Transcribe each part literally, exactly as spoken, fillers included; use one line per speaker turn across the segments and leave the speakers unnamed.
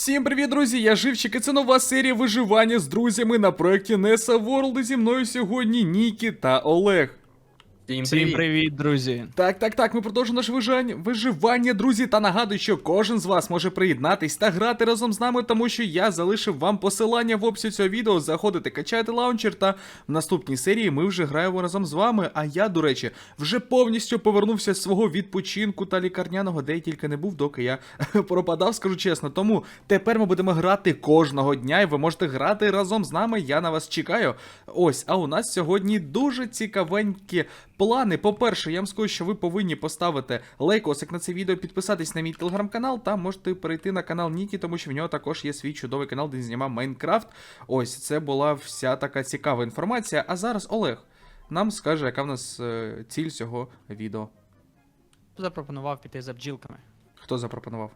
Всім привіт, друзі! Я Живчик, і це нова серія виживання з друзями на проєкті Nessa World. І зі мною сьогодні Нікі та Олег.
Всім
Всім
привіт.
привіт, друзі!
Так, так, так, ми продовжуємо наше виживання, виживання, друзі, та нагадую, що кожен з вас може приєднатись та грати разом з нами, тому що я залишив вам посилання в описі цього відео, заходите, качайте лаунчер, та в наступній серії ми вже граємо разом з вами, а я, до речі, вже повністю повернувся з свого відпочинку та лікарняного, де я тільки не був, доки я пропадав, скажу чесно, тому тепер ми будемо грати кожного дня, і ви можете грати разом з нами, я на вас чекаю. Ось, а у нас сьогодні дуже цікавенькі плани. По-перше, я вам скажу, що ви повинні поставити лайкосик на це відео, підписатись на мій телеграм-канал, та можете перейти на канал Нікі, тому що в нього також є свій чудовий канал, де він знімав Майнкрафт. Ось, це була вся така цікава інформація. А зараз Олег нам скаже, яка в нас е, ціль цього відео.
Хто запропонував піти за бджілками?
Хто запропонував?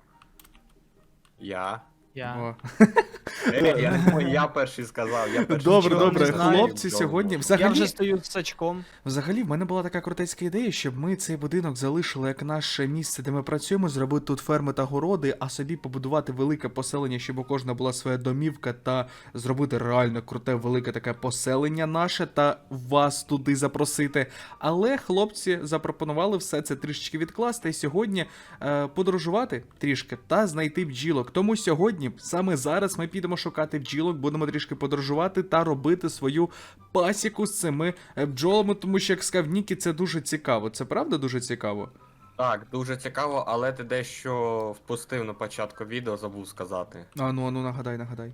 Я.
Я.
О.
Е, я, не знаю, я перший сказав, я перший
Добре,
сказав.
добре,
не знаю.
хлопці сьогодні...
Я
Взагалі...
вже стою з сачком.
Взагалі, в мене була така крутецька ідея, щоб ми цей будинок залишили як наше місце, де ми працюємо, зробити тут ферми та городи, а собі побудувати велике поселення, щоб у кожного була своя домівка, та зробити реально круте, велике таке поселення наше, та вас туди запросити. Але хлопці запропонували все це трішечки відкласти, і сьогодні е, подорожувати трішки та знайти бджілок. Тому сьогодні, саме зараз, ми підемо шукати бджілок, будемо трішки подорожувати та робити свою пасіку з цими е, бджолами, тому що, як сказав Нікі, це дуже цікаво. Це правда дуже цікаво?
Так, дуже цікаво, але ти дещо впустив на початку відео, забув сказати.
А ну, а ну, нагадай, нагадай.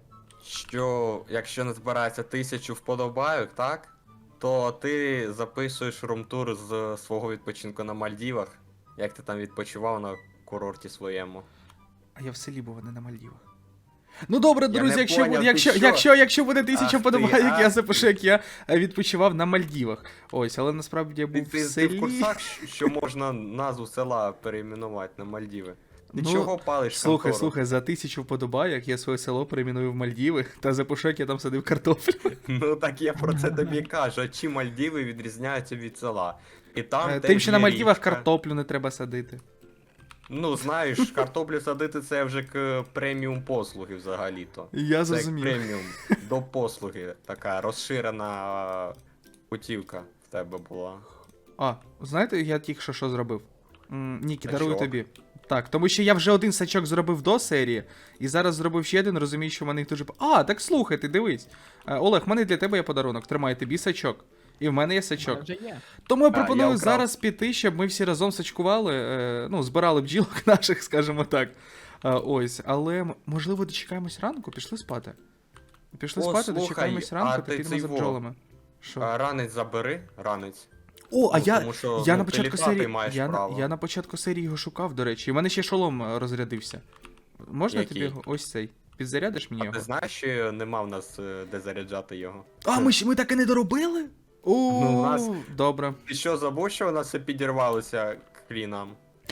Що якщо не збирається тисячу вподобайок, так? То ти записуєш румтур з свого відпочинку на Мальдівах. Як ти там відпочивав на курорті своєму.
А я в селі був, а не на Мальдівах. Ну добре,
Я
друзі,
не
якщо,
поняв,
буде-
ти
якщо,
що?
якщо, якщо буде тисяча
Ах ти,
вподобайок, я
ах
запишу, як я е, відпочивав на Мальдівах. Ось, але насправді я
Ти,
був
ти,
в
ти
селі.
в курсах, що можна назву села перейменувати на Мальдіви? Ти
Ну,
чого палиш
Слухай,
контору?
слухай, за тисячу вподобайок я своє село перейменую в Мальдіви, та запишу, як я там садив картоплю.
Ну так я про це тобі кажу, а чим Мальдіви відрізняються від села? І там
Е,
теж
Тим, що на
є
Мальдівах
річка.
картоплю не треба садити.
Ну знаєш, картоплю садити це вже к преміум послуги взагалі-то.
Я
Це як
зрозумів.
преміум до послуги, така розширена путівка в тебе була.
А, знаєте, я тільки що що зробив? М, Нікі, дарую
Сачок.
тобі. Так, тому що я вже один сачок зробив до серії, і зараз зробив ще один, розумію, що в мене їх дуже... А, так слухай, ти дивись. Е, Олег, в мене для тебе є подарунок, тримай тобі сачок. І в мене є сачок.
Вже є.
Тому я
А,
пропоную
я вкрав.
зараз піти, щоб ми всі разом сачкували, е, ну, збирали бджілок наших, скажімо так. Е, ось, але м- можливо дочекаємось ранку, пішли спати. Пішли
О,
спати,
слухай,
дочекаємось
а
ранку та
ти
підемо
цей
за
во.
бджолами. Що?
А, ранець забери, ранець.
О, а
Ну,
я,
тому що,
я
ну,
на
ти
початку
літати
серії.
маєш
Я, на-
право.
я на початку серії його шукав, до речі. І в мене ще шолом е, розрядився. Можна
Який?
тобі його? Ось цей. Підзарядиш мені
А
його?
ти знаєш, що нема в нас е, де заряджати його?
А, ми, ж- ми так і не доробили? О,
Ну, у нас-
добре.
Ти що, забув, що у нас все підірвалося к хрінам?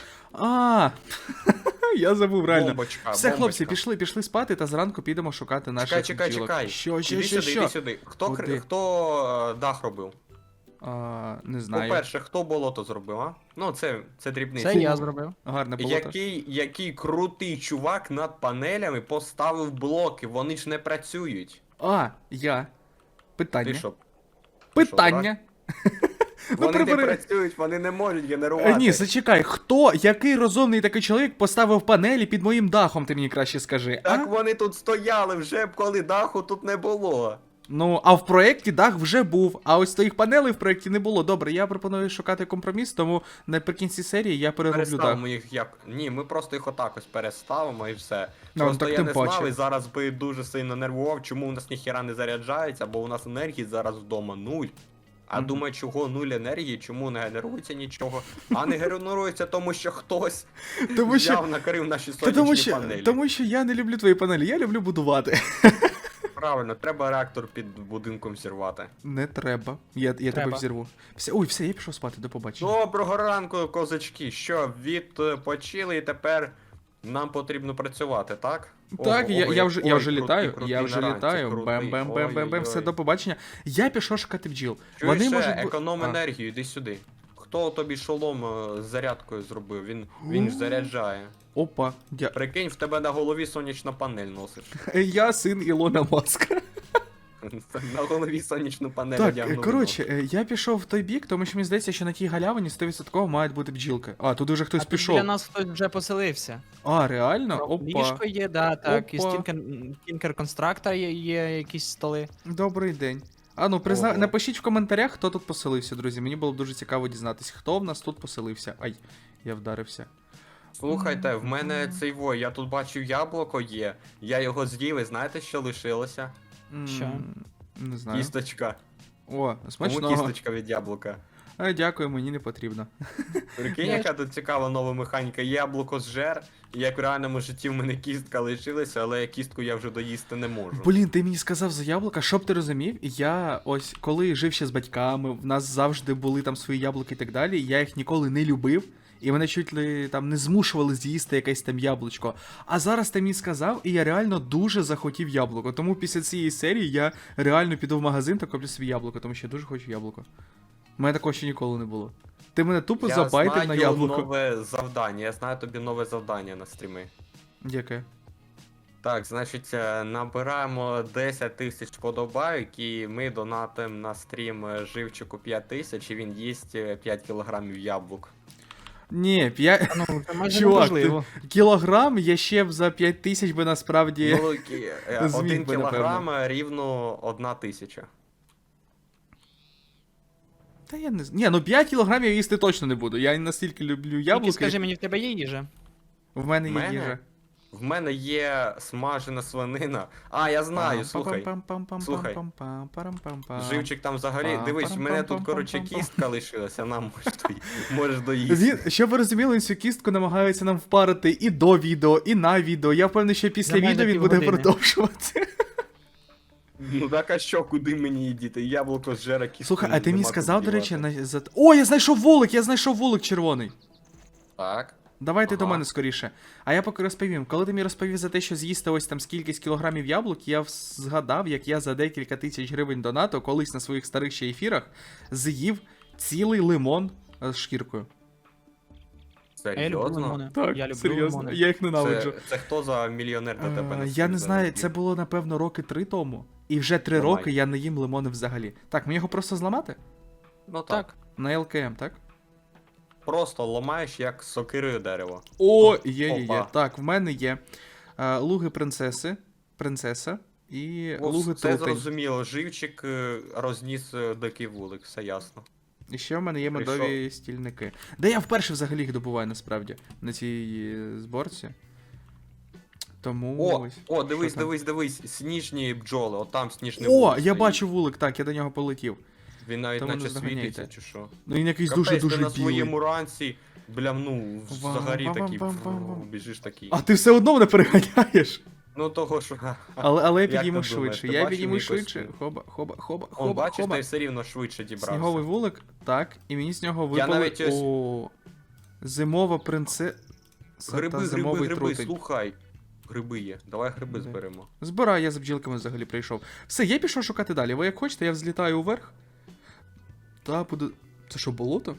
А, я забув реально.
Бомбочка,
Все, хлопці,
бомбочка.
пішли, пішли спати та зранку підемо шукати наших
Чекай, чекай,
бджілок.
чекай.
Що, що,
іди
що,
сюди,
що?
іди сюди. Хто,
Куди?
кр- хто е, дах робив?
А, не знаю.
По-перше, хто болото зробив, а? Ну, це, це дрібниця.
Це я зробив.
Гарне болото.
Який, який крутий чувак над панелями поставив блоки, вони ж не працюють.
А, я. Питання.
Ти що?
Питання.
Вони не
прибери.
працюють, вони не можуть
Е,
генерувати.
Ні, зачекай, хто, який розумний такий чоловік поставив панелі під моїм дахом, ти мені краще скажи.
Так
а?
вони тут стояли вже, коли даху тут не було.
Ну, а в проєкті дах вже був, а ось твоїх панелей в проєкті не було. Добре, я пропоную шукати компроміс, тому наприкінці серії я перероблю дах.
Переставимо їх як. Ні, ми просто їх отак ось переставимо і все.
Ну,
Просто
так
я
тим
не
паче.
знав і зараз би дуже сильно нервував, чому у нас ніхіра не заряджається, бо у нас енергії зараз вдома нуль. А
Мгм.
думаю, чого нуль енергії, чому не генерується нічого? А не генерується, тому що хтось
Тому що,
взяв, накрив наші
та
сонячні
тому, що,
панелі.
тому що я не люблю твої панелі, я люблю будувати.
Правильно, треба реактор під будинком зірвати.
Не треба. Я, я тебе
Треба.
взірву. Все, ой, все, я пішов спати, до побачення.
Доброго ранку, козачки. Що, відпочили і тепер нам потрібно працювати, так?
Так,
Ого,
я,
ого,
я вже, я
ой,
вже
крутий,
літаю,
крутий
я вже
на ранці,
літаю.
крутий.
Бем-бем-бем-бем-бем, все,
Ой-ой-ой.
до побачення. Я пішов шукати бджіл.
Чуєш,
Вони
ще,
можуть бу-
економ
А.
енергію, іди сюди. хто тобі шолом е, з зарядкою зробив? Він, він ж заряджає.
Опа, дя...
Прикинь, в тебе на голові сонячна панель носиш.
Я син Ілона Маска.
На голові сонячну панель
Так,
одягнув.
коротше, е, я пішов в той бік, тому що мені здається, що на тій галявині сто відсотків мають бути бджілки. А, тут уже хтось
А тут
пішов.
біля нас хтось вже поселився.
А, реально? Опа.
Ліжко є, да, так, і з
Опа.
Тінкер Констракта є, є якісь столи.
Добрий день. А ну, призна...
Ого.
напишіть в коментарях, хто тут поселився, друзі. Мені було б дуже цікаво дізнатися, хто в нас тут поселився. Ай, я вдарився.
Слухайте, в мене цей вой, я тут бачив яблуко є. Я його з'їв, і знаєте, що лишилося?
М,
Що?
Не знаю.
Кісточка.
О,
Кому
смачного.
кісточка від яблука?
А, дякую, мені не потрібно.
Прикинь,
Я
яка тут цікава нова механіка. Яблуко зжер, і як в реальному житті в мене кістка лишилася, але кістку я вже доїсти не можу.
Блін, ти мені сказав за яблука, щоб ти розумів, я ось коли жив ще з батьками, в нас завжди були там свої яблуки і так далі, я їх ніколи не любив, і мене чуть ли там не змушували з'їсти якесь там яблучко. А зараз ти мені сказав, і я реально дуже захотів яблуко. Тому після цієї серії я реально піду в магазин та куплю собі яблуко, тому що я дуже хочу яблуко. У мене такого ще ніколи не було. Ти мене тупо
Я
забайтив
знаю
на яблуко.
нове завдання, я знаю тобі нове завдання на стріми.
Яке?
Так, значить, е, набираємо десять тисяч подобайок, і ми донатимо на стрім е, живчику п'ять тисяч, і він їсть е, п'ять кілограмів яблук.
Ні, п'ять...
Ну, це майже
Чувак,
неможливо.
кілограм я ще б за п'ять тисяч би насправді...
Ну, кі- е,
Зміг
один
би,
кілограм е, рівно одна тисяча.
Та я не знаю. Ні, ну п'ять кілограмів я їсти точно не буду. Я настільки люблю
Тільки
яблуки.
скажи мені, в тебе є їжа?
В мене
В
є
мене?
їжа.
В мене є смажена свинина. А, я знаю, слухай. Слухай. Живчик там взагалі. Дивись, в мене тут, коротше, кістка лишилася, нам можеш дої- можеш доїсти.
Він, щоб ви розуміли, він цю кістку намагається нам впарити і до відео, і на відео. Я впевнений, що після
За майже
відео він буде
півгодини.
продовжувати.
Ну так а що, куди мені діти? Яблуко зжере кістку.
Слухай, а ти мені
нема
сказав,
куди
до речі,
дівати.
на... за... О, я знайшов вулик, я знайшов вулик червоний.
Так.
Давайте до
Ага.
мене скоріше. А я поки розповім. Коли ти мені розповів за те, що з'їсти ось там скількись кілограмів яблук, я вс- згадав, як я за декілька тисяч гривень донату колись на своїх старих ще ефірах з'їв цілий лимон е, з шкіркою.
Я люблю
Серйозно?
лимони.
Так,
я люблю
серйозно,
лимони.
я їх ненавиджу.
Це, це хто за мільйонер до тебе
Е,
на
Я
стрім
не знаю,
залетів?
це було напевно роки три тому. І вже три
Ламай.
роки я не їм лимони взагалі. Так, мені його просто зламати?
Ну так.
Так.
На ел ке ем, так?
Просто ламаєш як сокирою дерево.
О, є, є, є.
Опа.
Так, в мене є е, луги принцеси, принцеса і
О,
луги
все
трутень.
зрозуміло, живчик е, розніс е, дикий вулик, все ясно.
І ще в мене є
Прийшов.
медові стільники. Де я вперше взагалі їх добуваю насправді на цій е, зборці. Тому
О,
ось.
о, дивись,
Що там?
дивись, дивись, сніжні бджоли, от там сніжний
О,
вулик
я
стоїть.
бачу вулик, так, я до нього полетів.
Він навіть
Тому не
наче
здоганяйте.
світиться, чи що.
Ну він якийсь
Капець,
дуже-дуже
ти на
білий.
своєму ранці, блям, ну, взагалі такий,
Вам-вам-вам-вам-вам.
фу, біжиш такий.
А ти все одно мене переганяєш.
Ну того, що...
Але, але я
Як
підійму
ти думаєш,
швидше.
ти
Я
бачив
підійму
мій
швидше.
костюм?
Хоба, хоба, хоба,
Он,
хоба,
бачиш,
хоба.
ти все рівно швидше дібрався.
Сніговий вулик, так, і мені з нього
Я
випали.
навіть ось-
О, зимова принцеса
Гриби,
та
гриби,
зимовий
гриби,
трутень.
слухай. Гриби є, давай гриби
Де?
зберемо.
Збираю, я за бджілками взагалі прийшов. Все, я пішов шукати далі. Ви як хочете, я взлітаю вверх. Та буду. Це що, болото?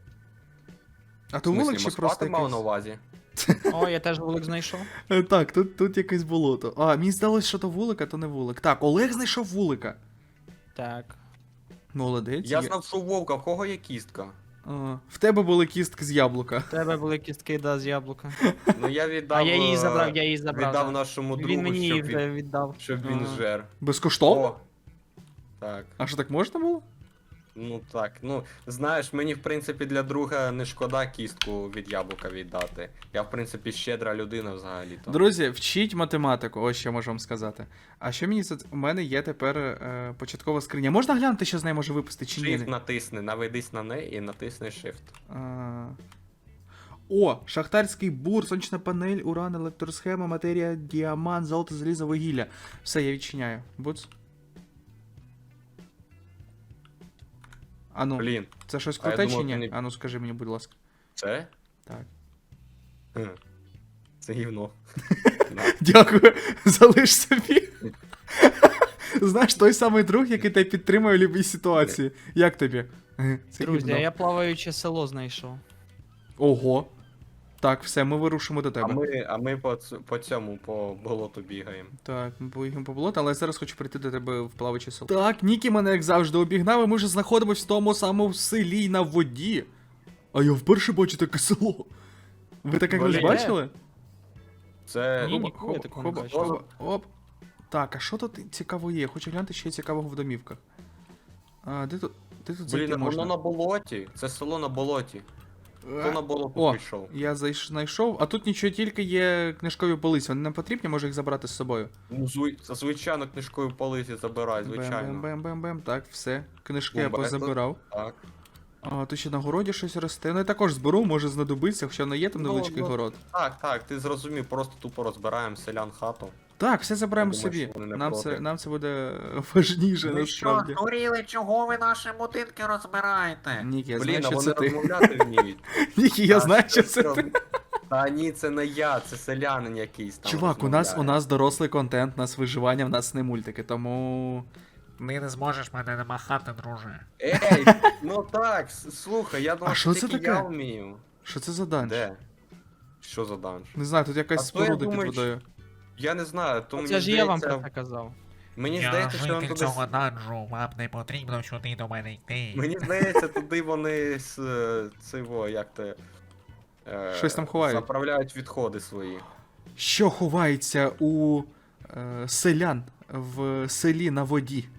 А то
В смислі,
вулик чи
Москва
просто
ти мав
якийсь?
на увазі?
О, я теж вулик знайшов.
Е, Так, тут, тут якесь болото. А, мені здалося, що то вулик, а то не вулик. Так, Олег знайшов вулика.
Так.
Молодець.
Я
є.
знав, що у Вовка, в кого є кістка?
А, в тебе були кістки з яблука.
В тебе були кістки, да, з яблука.
Ну я віддав.
А я її
е,
забрав, я її забрав.
Віддав
да.
нашому другу,
Він мені її
щоб,
вже
він,
віддав.
щоб він
Ага.
жер.
Безкоштовно?
О, так.
А що так можна було?
Ну так, ну знаєш, мені в принципі для друга не шкода кістку від яблука віддати. Я в принципі щедра людина взагалі. то
Друзі, вчіть математику, ось що можу вам сказати. А що мені за... У мене є тепер е, початкова скриня. Можна глянути, що з нею може випасти чи ні?
Shift натисни, наведись на неї і натисни Shift.
А... О, шахтарський бур, сонячна панель, уран, електросхема, матерія, діамант, золото, залізо, вугілля. Все, я відчиняю. Буц. Ану,
Блін,
це щось
а я
круте
думав,
чи ні?
ти не-
Ану, скажи мені, будь ласка.
це?
Так.
Хм. Це гівно. На.
Дякую, залиш собі. Знаєш, той самий друг, який тебе підтримує в будь-якій ситуації. Як тобі? Е, Це
Друзі, а
гівно.
я плаваюче село знайшов.
Ого. Так, все, ми вирушимо до
А
тебе.
ми, а ми по, ц- по цьому, по болоту бігаємо.
Так, ми поїхали по болоту, але я зараз хочу прийти до тебе в плавуче село. Так, Нікі мене, як завжди, обігнав, і ми вже знаходимося в тому самому селі на воді. А я вперше бачу таке село. Ви таке колись
Блін.
бачили?
Це.
Ні,
Хоба,
ніколи
хоба,
такого не
хоба,
бачив.
хоба, оп. Так, а що тут цікаво є? Я хочу глянути, що є цікавого в домівках. А, де тут, де тут зайти
Блін,
можна?
воно на болоті. Це село на болоті. Хто на болото
О,
пішов?
я зайш- знайшов, а тут нічого, тільки є книжкові полиці. Вони нам потрібні, може їх забрати з собою.
Ну, зви- звичайно, книжкою полиці забирай, звичайно.
Бем-бем-бем-бем. Так, все. Книжки я
Бумба,
позабирав.
Так.
А, тут ще на городі щось росте. Ну я також зберу, може знадобиться, хоча не є там
Ну,
невеличкий
ну,
город.
Так, так, ти зрозумів, просто тупо розбираємо селян хату.
Так, все забираємо
Я думаю,
собі.
що вони не
Нам
проти.
це, нам це буде важніше,
Ви що,
насправді.
здуріли, чого ви наші будинки розбираєте?
Нікі, я
Блін,
знаю,
а
що
вони
це ти.
розмовляти вміють.
Нікі, я
А,
знаю, що
це
це ти.
роз- Та ні, це не я, це селянин якийсь там.
Чувак, у нас у
розмовляє.
нас дорослий контент, у нас виживання, в нас не мультики, тому.
Ти не зможеш мене намахати, друже.
Ей, ну так, с- слухай, я думав,
А що
що
це
тільки
таке?
я вмію.
Що це за данж?
Де? Що за данж?
Не знаю, тут якась
А то я
споруда під
думаю,
водою.
Я не знаю, то мені
Це ж я вам про
здається,
це казав.
мені
Я
здається, що він
житель
туди...
цього данжу, вам не потрібно сюди до мене йти.
Мені здається, туди вони з е, цього, як те... е,
Щось там ховають.
Заправляють відходи свої.
Що ховається у е, селян в селі на воді?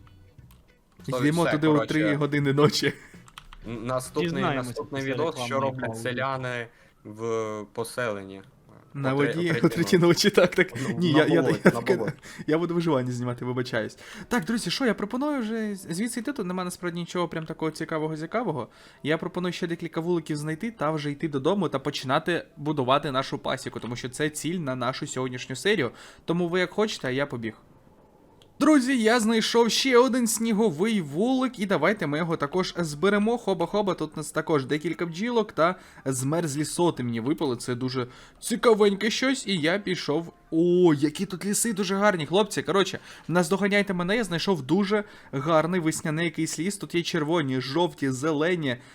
То
Йдемо
все,
туди о
коротше.
три години ночі.
Н- Наступний,
Дізнаємося
наступний
після
відос, що
рекламної
роблять
паузи.
селяни в поселенні.
На
О три-
воді
о
о третій ночі, так, так.
Ну,
Ні,
на
я, я,
болоті,
я,
на
таке-
болоті.
я буду виживання знімати, вибачаюсь. Так, друзі, що я пропоную вже звідси йти, тут нема насправді нічого прям такого цікавого цікавого. Я пропоную ще декілька вуликів знайти та вже йти додому та починати будувати нашу пасіку, тому що це ціль на нашу сьогоднішню серію. Тому ви як хочете, а я побіг. Друзі, я знайшов ще один сніговий вулик, і давайте ми його також зберемо. Хоба-хоба, тут у нас також декілька бджілок та змерзлі соти мені випали. Це дуже цікавеньке щось, і я пішов. О, які тут ліси дуже гарні, хлопці. Коротше, наздоганяйте мене, я знайшов дуже гарний весняний якийсь ліс. Тут є червоні, жовті, зелені, е...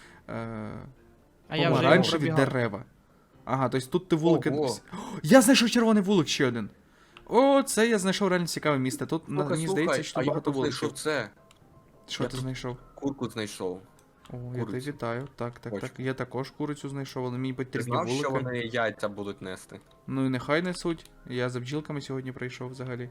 А я вже його
помаранчеві
пробігав.
дерева. Ага, тобто тут ти вулики.
Ого.
О, я знайшов червоний вулик ще один. О, це я знайшов реально цікаве місце. Тут на-
Слухай,
мені
слухай,
здається, що
а я
багато
тут знайшов
вуликів.
це.
Що
я
ти
тут-
знайшов?
Курку знайшов.
О, я тебе
курицю.
вітаю. Так, так,
Хочу.
так. Я також курицю знайшов, але мені
Ти
потрібні
знав, що
вулики.
вони яйця будуть нести?
Ну і нехай несуть. Я за бджілками сьогодні прийшов взагалі.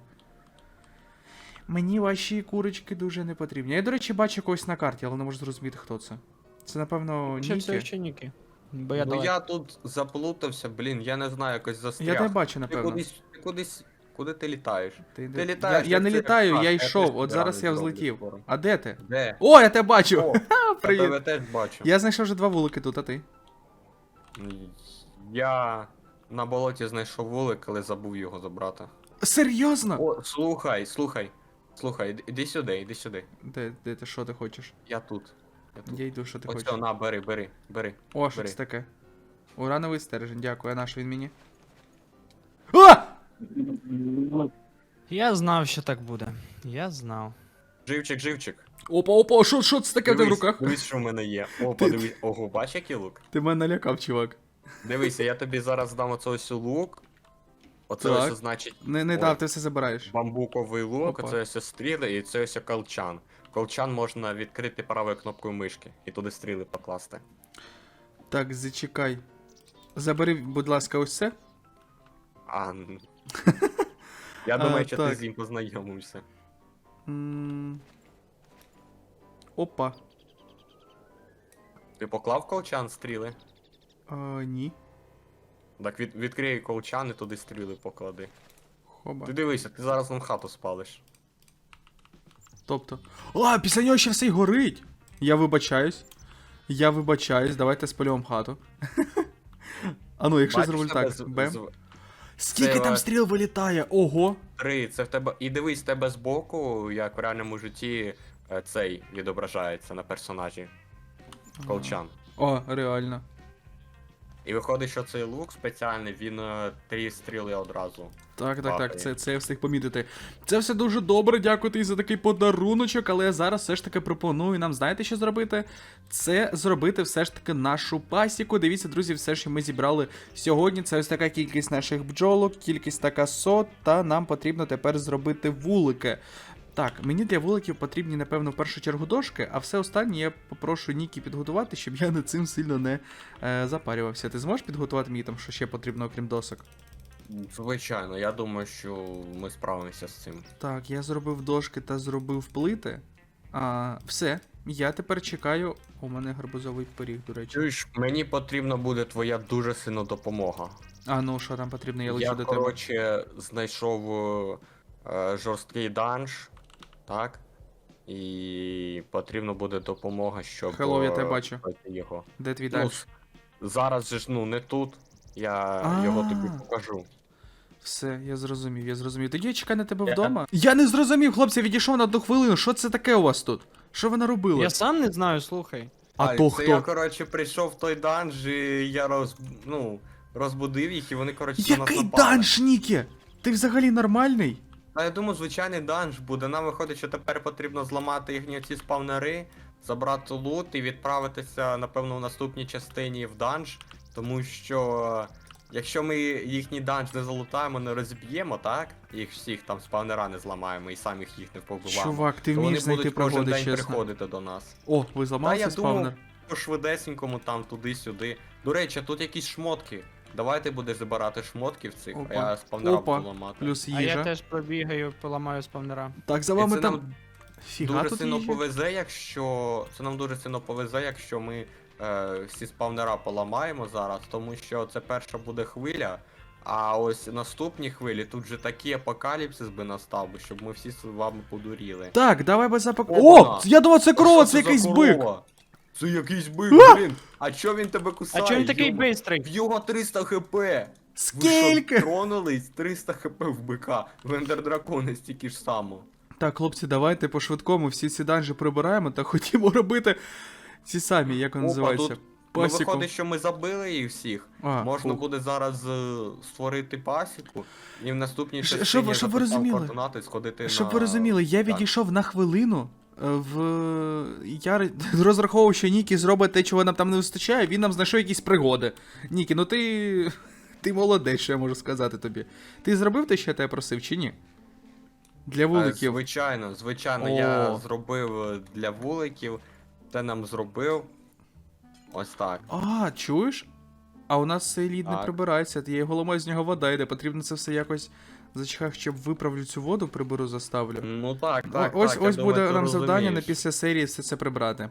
Мені ваші курочки дуже не потрібні. Я, до речі, бачу когось на карті, але не можу зрозуміти, хто це. Це, напевно,
Ще все
Нікі.
ще Ніки. Бо я
ну
далеко.
я тут заплутався, блін, я не знаю, якось застряг.
Я тебе бачу,
Ти
напевно.
кудись, ти кудись, куди ти літаєш?
Ти,
ти
де-
літаєш,
я, я
як
не
це,
літаю,
як
я
птах, я
йшов.
теж
От зараз
підранок
я
зроблю
взлетів.
скоро.
А де ти?
Де?
О, я тебе бачу!
О, я
Привіт.
тебе теж бачу.
Я знайшов вже два вулики тут, а ти?
Я на болоті знайшов вулик, але забув його забрати.
Серйозно?
О, слухай, слухай. Слухай, іди- іди сюди, іди сюди.
Де, де ти, що ти хочеш?
Я тут. Я тут.
Я йду, що ти
Оце,
хочеш.
на, бери, бери, бери.
О, що
бери.
це таке? Урановий стержень, дякую, а наш він мені? А!
Я знав, що так буде. Я знав.
Живчик, живчик.
Опа, опа, що, що це таке в тебе в
Дивись,
руках?
Дивись, що в мене є. О,
Ти-
подивись. Ого, бач, який лук?
Ти мене налякав, чувак.
Дивися, я тобі зараз дам оце ось лук. Оце
Так.
ось значить
Не, не
Ой.
дав, ти все забираєш.
бамбуковий лук,
Опа.
оце ось стріли і це ось колчан. Колчан можна відкрити правою кнопкою мишки і туди стріли покласти.
Так, зачекай. Забери, будь ласка, ось це.
А. н- Я
А,
думаю, що ти
так.
з ним познайомився.
М. Опа.
Ти поклав колчан стріли?
А, ні.
Так від, відкрий колчан і туди стріли поклади.
Хоба.
Ти дивися, ти зараз нам хату спалиш.
Тобто. А, після нього ще все й горить. Я вибачаюсь. Я вибачаюсь, давайте спалюємо хату. А ну, якщо
Бачиш,
зроблю
тебе
так.
з-
Бем.
з-
Скільки
це
там
ва-
стріл вилітає? Ого.
Три, це в тебе. І дивись, в тебе збоку, як в реальному житті, е, цей відображається на персонажі. Колчан.
О, реально.
І виходить, що цей лук спеціальний, він е, три стріли одразу.
Так, так, так,
Бахає.
це, це я встиг помітити. Це все дуже добре, дякую тобі за такий подаруночок, але я зараз все ж таки пропоную нам, знаєте, що зробити? Це зробити все ж таки нашу пасіку. Дивіться, друзі, все, що ми зібрали сьогодні. Це ось така кількість наших бджолок, кількість така сот, та нам потрібно тепер зробити вулики. Так, мені для вуликів потрібні, напевно, в першу чергу дошки, а все останнє я попрошу Нікі підготувати, щоб я над цим сильно не е, запарювався. Ти зможеш підготувати мені там, що ще потрібно, окрім досок?
Звичайно, я думаю, що ми справимося з цим.
Так, я зробив дошки та зробив плити. А, все, я тепер чекаю. У мене гарбузовий пиріг, до речі.
Чуєш, мені потрібна буде твоя дуже сильна допомога.
А ну що там потрібно, я лечу
Я,
до тебе.
коротше, знайшов е, жорсткий данж, так? І потрібна буде допомога, щоб
Hello, я тебе
е,
бачу.
пройти його.
Де твій
Ну,
далі?
с- зараз же ж ну не тут. Я його тобі
А.
покажу.
Все, я зрозумів, я зрозумів. Тоді я чекаю на тебе
Я-
вдома. Я не зрозумів, хлопці, відійшов на одну хвилину. Що це таке у вас тут? Що ви наробили?
Я сам не знаю, слухай.
А
Ай,
то
це
хто?
я, коротше, прийшов в той данж, і я роз... ну, розбудив їх, і вони, коротше, на нас
Який
напали.
данж, Нікі? Ти взагалі нормальний?
А я думаю, звичайний данж буде. Нам виходить, що тепер потрібно зламати їхні ці спавнери, забрати лут і відправитися, напевно, в наступній частині в данж. Тому що якщо ми їхній данж не залутаємо, не розіб'ємо, так? Їх всіх там спавнера не зламаємо і самих їх не побиваємо.
Чувак, ти
то вони
вмієш знайти
будуть кожен
пригоди,
день
чесно.
приходити до нас.
О, ви
Та
зламали
я
цей спавнер?
думав, по швидесенькому там туди-сюди. До речі, тут якісь шмотки. Давай ти будеш забирати шмотки в цих,
Опа.
а я спавнера
Опа.
буду ламати.
Плюс
А я
їжа.
теж пробігаю, поламаю спавнера.
Так, за
І
вами
це
там.
нам
Фіга
Дуже
тут
сильно
їжі.
повезе, якщо. Це нам дуже сильно повезе, якщо ми е, всі спавнера поламаємо зараз, тому що це перша буде хвиля. А ось наступні хвилі тут же такий апокаліпсис би настав, би, щоб ми всі з вами подуріли.
Так, давай без запак.
Опа!
О! Я думав, це корова,
А
це
що за
якийсь бик.
корова? Це якийсь бик,
А!
блін. А чо він тебе
А
кусає?
чому він такий
Йому-
бистрий?
В його триста хп. Ви що,
Скільки?
тронулись? триста хп в бика. В ендердракони стільки ж само.
Так, хлопці, давайте по швидкому всі ці данжі прибираємо та хотімо робити ці самі, як вони
Опа,
називаються.
тут- Ну,
Пасіку.
виходить, що ми забили їх всіх.
А,
Можна
фух.
буде зараз е, створити пасіку і в наступній
Щ-
частині
щоб-
я
щоб ви
записав
розуміли.
координати сходити
Щоб
на...
ви розуміли, я
Так.
відійшов на хвилину. е, В я р- розраховував, що Нікі зробить те, чого нам там не вистачає, він нам знайшов якісь пригоди. Нікі, ну ти. Ти молодець, що я можу сказати тобі. Ти зробив те, що я тебе просив, чи ні? Для
Е,
вуликів.
Звичайно, звичайно,
О.
я зробив е, для вуликів, те нам зробив. Ось так.
А, чуєш? А у нас цей лід не
Так.
прибирається, є голома з нього вода йде, потрібно це все якось зачекав, щоб виправлю цю воду, приберу, заставлю.
Ну так,
О,
так.
ось
так, я
ось
думаю,
буде
ти
нам завдання на
розумієш.
після серії все це прибрати.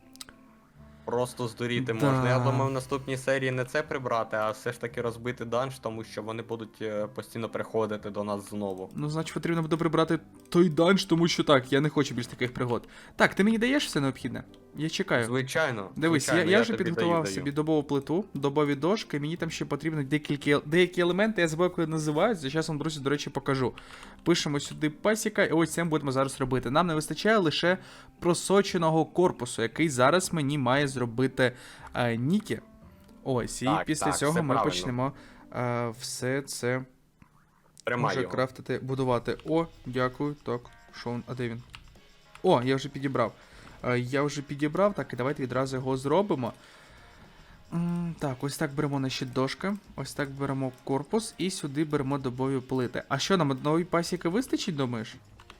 Просто здуріти
Да.
можна. Я думаю, в наступній серії не це прибрати, а все ж таки розбити данж, тому що вони будуть е, постійно приходити до нас знову.
Ну, значить, потрібно буде прибрати той данж, тому що так, я не хочу більш таких пригод. Так, ти мені даєш все необхідне? Я чекаю.
Звичайно.
Дивись,
звичайно,
я, я вже
тобі
підготував
даю,
собі
даю.
добову плиту, добові дошки, мені там ще потрібно деякі, деякі елементи, я забув, як вони називаються, зараз вам, друзі, до речі, покажу. Пишемо сюди пасіка, і ось це ми будемо зараз робити. Нам не вистачає лише просоченого корпусу, який зараз мені має зробити е, Нікі. Ось, і
Так,
після
так,
цього
все
ми
правильно.
почнемо е, все це
Тримай
вже
його.
крафтити, будувати. О, дякую. Так, що він? А де він? О, я вже підібрав. Е, Я вже підібрав, так, і давайте відразу його зробимо. М, Так, ось так беремо наші дошки, ось так беремо корпус і сюди беремо добові плити. А що нам одної пасіки вистачить, думаєш?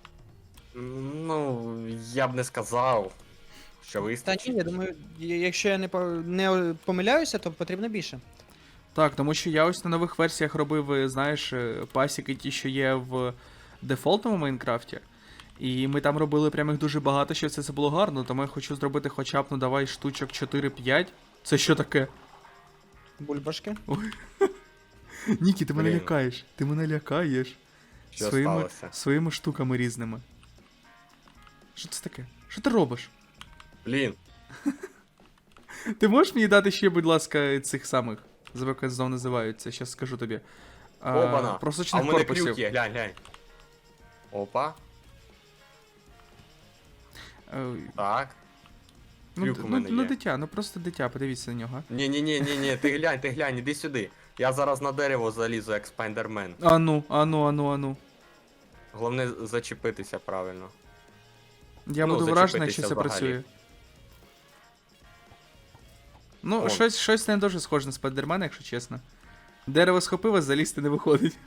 Ну, я б не сказав, що
Та
вистачить.
ні, я думаю, я- якщо я не, по- не помиляюся, то потрібно більше.
Так, тому що я ось на нових версіях робив, е, знаєш, е, пасіки ті, що є в дефолтному Майнкрафті. І ми там робили прям їх дуже багато, щоб це, це було гарно, тому я хочу зробити хоча б, ну давай, штучок чотири-п'ять. Це що таке?
Бульбашки.
Нікі, ти мене
Блін.
лякаєш. Ти мене лякаєш.
Що
своїми,
сталося?
своїми штуками різними. Що це таке? Що ти робиш?
Блін,
Ти можеш мені дати ще, будь ласка, цих самих, забув, як знов називаються, щас скажу тобі. А,
обана. А
просочних
в мене
корпусів.
крюк є, глянь, глянь. Опа,
Е,
так.
Ну,
Трюк
д-
у
ну,
мене
ну
є.
дитя, ну просто дитя, подивіться на нього.
Ні, ні, ні, ні, ні, ти глянь, ти глянь, іди сюди. Я зараз на дерево залізу, як спайдермен.
Ану, ану, ану, ану.
Головне зачепитися правильно.
Я
Ну,
буду вражений,
зачепитися
що це
взагалі.
працює. Ну,
О.
щось, щось не дуже схоже на спайдермена, якщо чесно. Дерево схопило, залізти не виходить.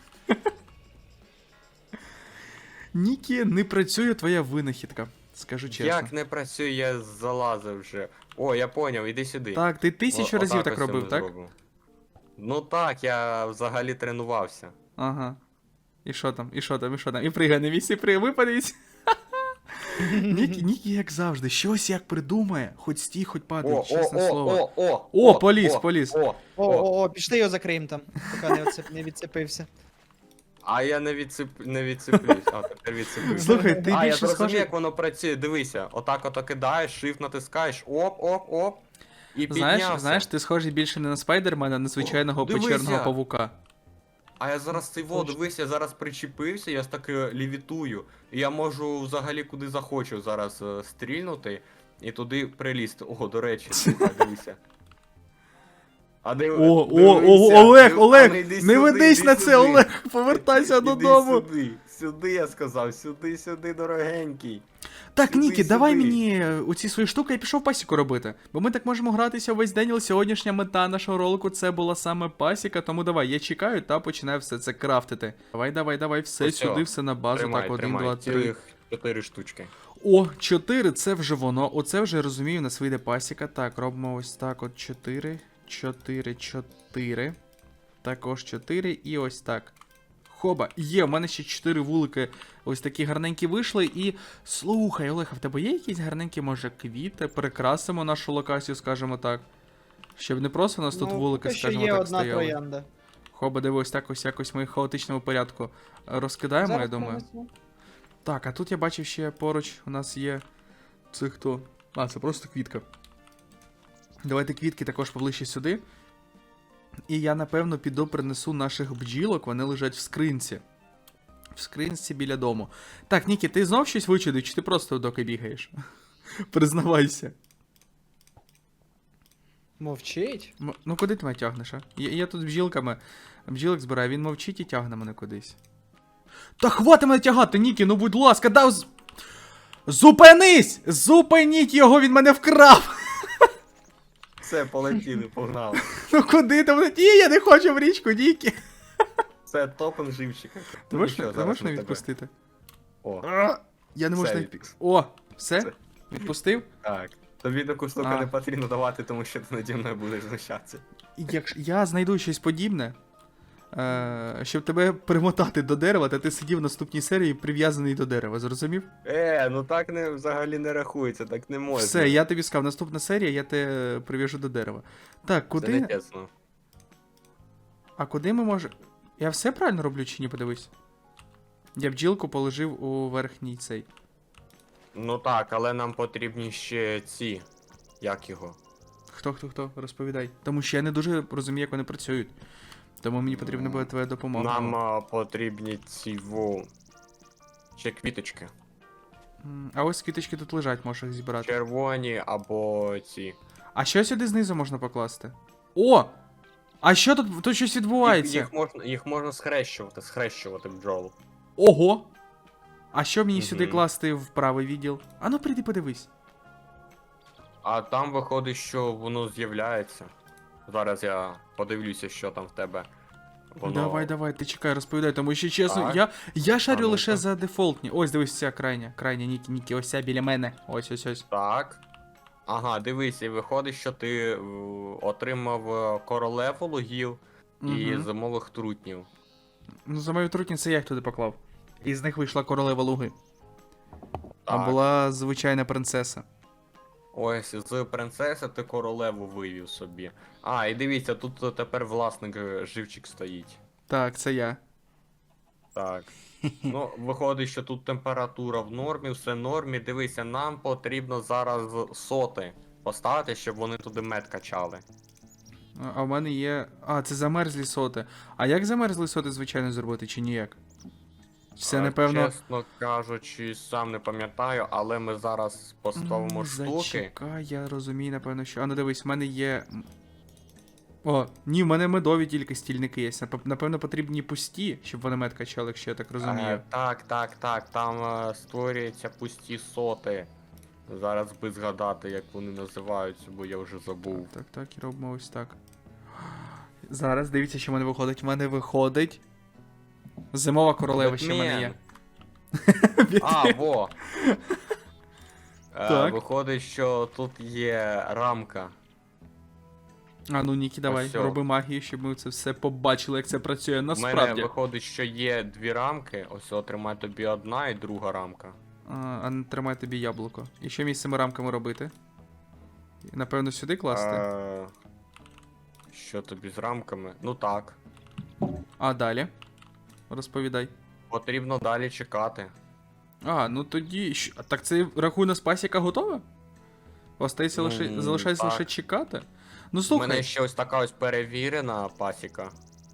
Нікі, не працює твоя винахідка, скажу чесно.
Як не працює, я залазив вже. О, я поняв, іди сюди.
Так, ти тисячу
О-
разів
отак
так
ось
робив,
ми
так?
зробимо. Ну так, я взагалі тренувався.
Ага. І що там, і що там, і що там? І пригай на місці, пригай, випадеться. Нікі, Нікі, як завжди, щось як придумає, хоч стій, хоч падай,
О, о,
чесне
о,
слово.
о, о,
О, поліз, поліз.
О,
О,
о.
о, о, пішли його закриємо там, поки не, відцеп... не відцепився.
А я не відцеп... не відцеплюсь. А, тепер відцеплюсь.
Слухай, ти
а, я
більше
зрозумів,
схожий.
як воно працює. Дивися, отак ото кидаєш, shift натискаєш, оп, оп, оп. І
Знаєш,
піднявся.
знаєш, ти схожий більше не на спайдермена, а на звичайного
О, дивися.
печерного павука.
А я зараз цей во, дивись, я зараз причепився, я ж таки лівітую. І я можу взагалі куди захочу зараз е, стрільнути і туди прилізти. О, до речі, слухай, дивися. А див...
О, о,
дивися,
о, Олег,
див-
Олег,
а ну, йди
не
сюди,
ведись
йди
на це,
сюди.
Олег, повертайся
Іди
додому.
Сюди, сюди я сказав, сюди, сюди, дорогенький.
Так,
Сюди,
Нікі, давай
сюди.
мені оці свої штуки і пішов пасіку робити. Бо ми так можемо гратися весь день, але сьогоднішня мета нашого ролику це була саме пасіка, тому давай, я чекаю та починаю все це крафтити. Давай, давай, давай, все
Ось
сюди,
о,
все на базу.
Тримай,
Так, один,
тримай,
два, три.
цілих чотири штучки.
О, чотири, це вже воно. Оце вже розумію, у нас вийде пасіка. Так, робимо ось так, от чотири, чотири, чотири. Також чотири і ось так. Хоба, є, в мене ще чотири вулики ось такі гарненькі вийшли. І слухай, Олег, а в тебе є якісь гарненькі, може, квіти? Перекрасимо нашу локацію, скажімо так. Щоб не просто у нас тут
Ну,
вулики,
поки що
скажімо
є
так,
одна
стояли.
троянда.
Хоба, дивись, так ось якось ми в хаотичному порядку розкидаємо, я
Зараз
думаю.
принесу.
Так, а тут я бачив ще поруч у нас є. Це хто? А, це просто квітка. Давайте квітки також поближче сюди. І я, напевно, піду принесу наших бджілок, вони лежать в скринці. В скринці біля дому. Так, Нікі, ти знов щось вичудив, чи ти просто доки бігаєш? Признавайся.
Мовчить?
М- Ну куди ти мене тягнеш, а? Я, я тут бджілками. Бджілок збираю, він мовчить і тягне мене кудись. Та хвати мене тягати, Нікі, ну будь ласка, дав. З... Зупинись! Зупиніть його, він мене вкрав!
Все, полетіли, погнали.
Ну куди ти мене? Ні, я не хочу в річку, Нікі!
Це топен живчика.
Ти можеш, ти можеш мене
тебе.
відпустити?
О,
Я не можу
Все,
навіть...
відпуск.
О, все?
Все.
Відпустив?
так. Тобі таку штуку
А.
не потрібно давати, тому що ти наді мною будеш знущатися.
Якщо я знайду щось подібне, е, щоб тебе примотати до дерева, та ти сидів в наступній серії прив'язаний до дерева, зрозумів?
Е, ну так не, взагалі не рахується, так не можна.
Все, я тобі сказав, наступна серія, я тебе прив'яжу до дерева. Так,
Це
куди.
не чесно.
А куди ми можемо. Я все правильно роблю чи ні, подивись? Я бджілку положив у верхній цей.
Ну так, але нам потрібні ще ці. Як його?
Хто, хто, хто? Розповідай. Тому що я не дуже розумію, як вони працюють. Тому мені потрібна буде твоя допомога.
Нам а, потрібні ці во. Ще квіточки.
М, А ось квіточки тут лежать, можеш їх зібрати.
Червоні або ці.
А що сюди знизу можна покласти? О! А що тут? Тут щось
Їх,
відбувається.
їх, можна, їх можна схрещувати, схрещувати бджол.
Ого! А що мені
Мгм.
сюди класти в правий відділ? А ну прийди подивись.
А там виходить, що воно з'являється. Зараз я подивлюся, що там в тебе. Воно...
Давай, давай, ти чекай, розповідай, тому що чесно,
Так.
я, я шарю
А ну-ка.
лише за дефолтні. Ось дивись, ця крайня, крайня, Нікі, Нікі, ось ця біля мене. Ось, ось, ось.
Так. Ага, дивись, і виходить, що ти е, отримав е, королеву лугів і
Мгм.
зимових трутнів.
Ну, за мою трутні це я їх туди поклав. Із них вийшла королева луги. А
Так.
була звичайна принцеса.
Ось, з принцеси ти королеву вивів собі. А, і дивіться, тут тепер власник е, живчик стоїть.
Так, це я.
Так. Ну, виходить, що тут температура в нормі, все в нормі. Дивися, нам потрібно зараз соти поставити, щоб вони туди мед качали.
А- А в мене є. А, це замерзлі соти. А як замерзлі соти, звичайно, зробити, чи ніяк? Це,
А,
напевно.
Чесно кажучи, сам не пам'ятаю, але ми зараз поставимо
М,
штуки.
Зачекай, я розумію, напевно, що. А ну дивись, в мене є. м, О, ні, в мене медові тільки стільники є. Нап- Напевно, потрібні пусті, щоб вони мед качали, якщо я так розумію.
Е, так, так, так, там е, створюються пусті соти. Зараз би згадати, як вони називаються, бо я вже забув.
Так, так, і робимо ось так. Зараз дивіться, що в мене виходить. В мене виходить. Зимова королева ще в мене є.
А, во! Е,
Так.
Виходить, що тут є рамка.
А ну Нікі, давай,
Ось сьо.
роби магію, щоб ми це все побачили, як це працює
У мене
насправді.
виходить, що є дві рамки. Ось отримай тобі одна і друга рамка.
А, а не тримай тобі яблуко. І що мені з цими рамками робити? Напевно, сюди класти?
Е, Що тобі з рамками? Ну так.
А далі? Розповідай.
Потрібно далі чекати.
А, ну тоді. щ- а Так це рахуй нас пасіка готова? Остається лише.
М,
Залишається
так.
лише чекати? Ну
У
слухай,
мене ще ось така ось перевірена пасіка.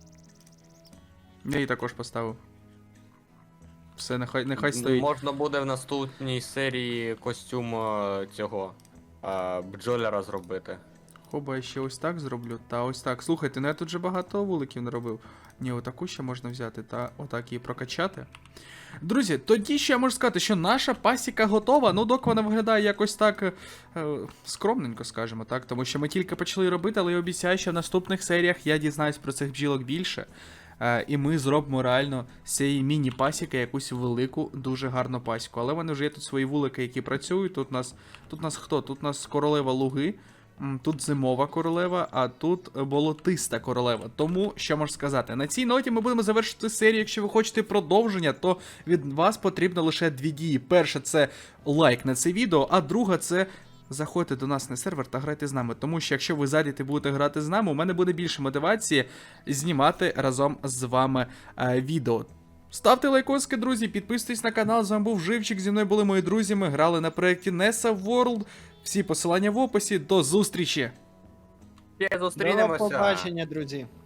я її також поставив. Все, нехай, нехай стоїть.
Можна буде в наступній серії костюм е, цього е, бджоляра зробити.
Хоба, я ще ось так зроблю. Та ось так. Слухайте, ну я тут же багато вуликів не робив. Ні, отаку ще можна взяти та отак її прокачати. Друзі, тоді ще я можу сказати, що наша пасіка готова. Ну, доки вона виглядає якось так е, скромненько, скажімо так. Тому що ми тільки почали робити, але я обіцяю, що в наступних серіях я дізнаюсь про цих бджілок більше. Е, і ми зробимо реально з цієї міні-пасіки якусь велику, дуже гарну пасіку. Але в мене вже є тут свої вулики, які працюють. Тут нас, тут нас хто? Тут нас королева луги. М, Тут зимова королева, а тут болотиста королева. Тому, що можу сказати, на цій ноті ми будемо завершити серію. Якщо ви хочете продовження, то від вас потрібно лише дві дії. Перше, це лайк на це відео, а друга це заходьте до нас на сервер та грайте з нами. Тому що якщо ви зайдете і будете грати з нами, у мене буде більше мотивації знімати разом з вами е, відео. Ставте лайкоски, друзі, підписуйтесь на канал, з вами був Живчик, зі мною були мої друзі, ми грали на проєкті Nessa World. Всі посилання в описі, до зустрічі!
Ще
До
зустрінемося!
побачення, друзі.